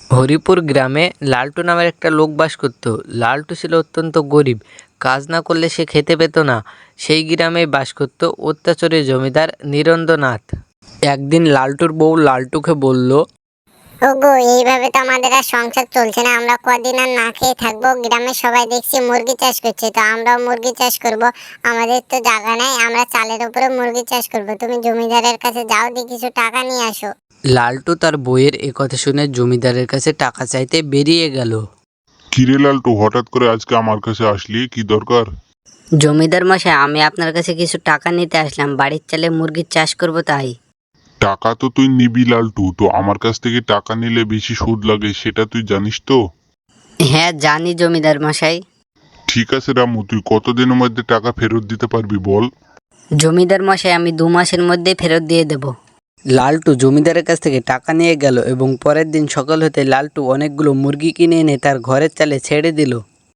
হরিপুর গ্রামে লালটু নামের একটা লোক বাস করত। লালটু ছিল অত্যন্ত গরিব, কাজ না করলে সে খেতে পেত না। সেই গ্রামেই বাস করত অত্যাচারী জমিদার নিরঞ্জনাথ। একদিন লালটুর বউ লালটুকে বলল, ওগো, এইভাবে তো আমাদের আর সংসার চলছে না। আমরা কদিন আর না খেয়ে থাকবো? গ্রামের সবাই দেখছি মুরগি চাষ করছে, তো আমরাও মুরগি চাষ করব। আমাদের তো জায়গা নাই, আমরা চালের উপরে মুরগি চাষ করব। তুমি জমিদারের কাছে যাও, দিয়ে কিছু টাকা নিয়ে আসো। লালটু তার বইয়ের কথা শুনে জমিদারের কাছে টাকা চাইতে বেরিয়ে গেল। কিরে লালটু, হঠাৎ করে আজকে আমার কাছে আসলি, কি দরকার? জমিদার মশাই, আমি আপনার কাছে কিছু টাকা নিতে আসলাম। বাড়ির চালে মুরগির চাষ করব তাই। টাকা তো তুই নিবি লালটু, তো আমার কাছ থেকে টাকা নিলে বেশি সুদ লাগে, সেটা তুই জানিস তো? হ্যাঁ জানি জমিদার মশাই। ঠিক আছে রামু, তুই কতদিনের মধ্যে টাকা ফেরত দিতে পারবি বল? জমিদার মশাই, আমি 2 মাসের মধ্যে ফেরত দিয়ে দেব। লালটু জমিদারের কাছ থেকে টাকা নিয়ে গেল এবং পরের দিন সকাল হতে লালটু অনেকগুলো মুরগি কিনে এনে তার ঘরের চালে ছেড়ে দিল।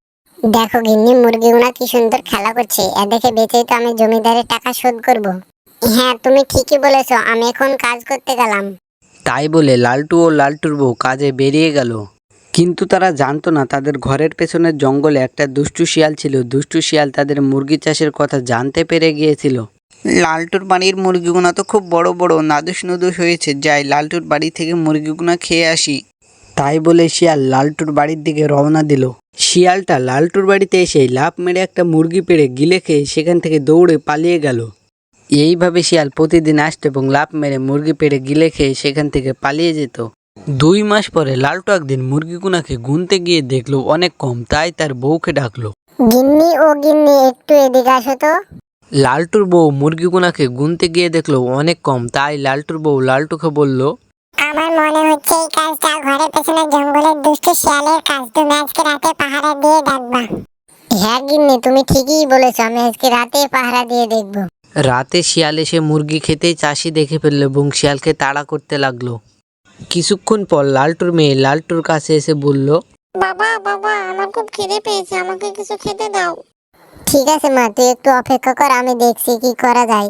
দেখো গিন্নি, মুরগিগুলা কি সুন্দর খেলা করছে। এ দেখে বেঁচেই তো আমি জমিদারের টাকা শোধ করব। হ্যাঁ, তুমি ঠিকই বলেছো, আমি এখন কাজ করতে গেলাম। তাই বলে লালটু ও লালটুর বউ কাজে বেরিয়ে গেল। কিন্তু তারা জানতো না তাদের ঘরের পেছনের জঙ্গলে একটা দুষ্টু শিয়াল ছিল। দুষ্টু শিয়াল তাদের মুরগি চাষের কথা জানতে পেরে গিয়েছিল। লালটুর বাড়ির মুরগিগুলো তো খুব বড় বড়, নাদুস নুদুস হয়েছে, যাই লালটুর বাড়ি থেকে মুরগিগুলো খেয়ে আসি। তাই বলে শিয়াল লালটুর বাড়ির দিকে রওনা দিল। শিয়ালটা লালটুর বাড়িতে এসে লাফ মেরে একটা মুরগি পেড়ে গিলে খেয়ে সেখান থেকে দৌড়ে পালিয়ে গেল। এইভাবে শিয়াল প্রতিদিন আসতো এবং লাফ মেরে মুরগি পেড়ে গিলে খেয়ে সেখান থেকে পালিয়ে যেত। 2 মাস পরে লালটু একদিন মুরগিগুনাকে গুনতে গিয়ে দেখলো অনেক কম, তাই তার বউকে ডাকলো। গিন্নি, ও গিন্নি, একটু এদিকে আসো তো। লালটুর বউ মুরগিগুনাকে গুনতে গিয়ে দেখলো অনেক কম, তাই লালটুর বউ লালটুকে বলল, আমার মনে হচ্ছে এই কাজটা ঘরের পেছনে জঙ্গলের দুষ্টু শিয়ালের কাজ। তুমি আজকে রাতে পাহারা দিয়ে ডাকবা। হ্যাঁ গিন্নি, তুমি ঠিকই বলেছো, আমি আজকে রাতে পাহারা দিয়ে দেখবো। রাতে শিয়াল এসে মুরগি খেতেই চাষি দেখে ফেললো এবং শিয়ালকে তাড়া করতে লাগলো। কিছুক্ষণ পর লালটুর মেয়ে লালটুর কাছে এসে বলল, বাবা বাবা, আমার খুব খিদে পেয়েছে, আমাকে কিছু খেতে দাও। ঠিক আছে মা, তুই একটু অপেক্ষা কর, আমি দেখছি কি করা যায়।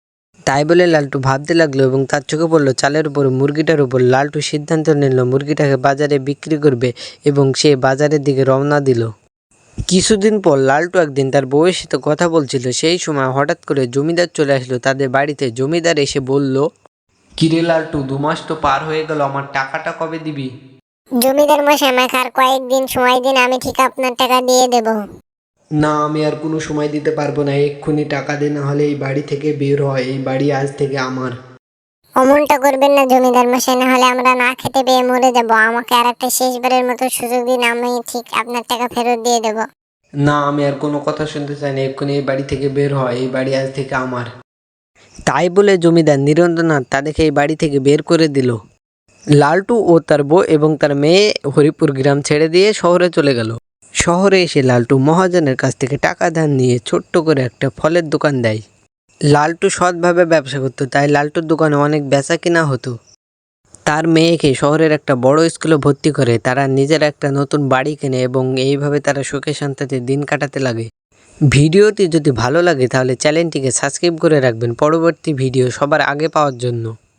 তাই বলে লালটু ভাবতে লাগলো এবং তার চোখে পড়লো চালের উপর মুরগিটার উপর। লালটু সিদ্ধান্ত নিল মুরগিটাকে বাজারে বিক্রি করবে এবং সে বাজারের দিকে রওনা দিল। কিছুদিন পর লালটু একদিন তার বউয়ের সাথে কথা বলছিল। সেই সময় হঠাৎ করে জমিদার চলে আসলো তাদের বাড়িতে। জমিদার এসে বলল, কিরে লালটু, 2 মাস তো পার হয়ে গেল, আমার টাকাটা কবে দিবি? জমিদার মশাই, আমাকে আর কয়েকদিন সময় দিন, আমি ঠিক আপনার টাকা দিয়ে দেব। না, আমি আর কোনো সময় দিতে পারবো না, এক্ষুনি টাকা দে, না হলে এই বাড়ি থেকে বের হয়, এই বাড়ি আজ থেকে আমার। অমনটা করবেন না জমিদার মশাই, না হলে আমরা না খেতে পেয়ে মরে যাব। আমাকে আর একটা শেষবারের মতো সুযোগ দিন, আমি ঠিক আপনার টাকা ফেরত দিয়ে দেব। না, আমি আর কোনো কথা শুনতে চাই না, এক্ষুনি এই বাড়ি থেকে বের হয়, এই বাড়ি আজ থেকে আমার। তাই বলে জমিদার নিরঞ্জনাথ তাদেরকে এই বাড়ি থেকে বের করে দিল। লালটু ও তার বউ এবং তার মেয়ে হরিপুর গ্রাম ছেড়ে দিয়ে শহরে চলে গেল। শহরে এসে লালটু মহাজনের কাছ থেকে টাকা ধার নিয়ে ছোট্ট করে একটা ফলের দোকান দেয়। লালটু সৎভাবে ব্যবসা করতো, তাই লালটুর দোকানে অনেক বেচা কিনা হতো। তার মেয়েকে শহরের একটা বড় স্কুলে ভর্তি করে, তারা নিজের একটা নতুন বাড়ি কেনে এবং এইভাবে তারা সুখে শান্তিতে দিন কাটাতে লাগে। ভিডিওটি যদি ভালো লাগে তাহলে চ্যানেলটিকে সাবস্ক্রাইব করে রাখবেন পরবর্তী ভিডিও সবার আগে পাওয়ার জন্য।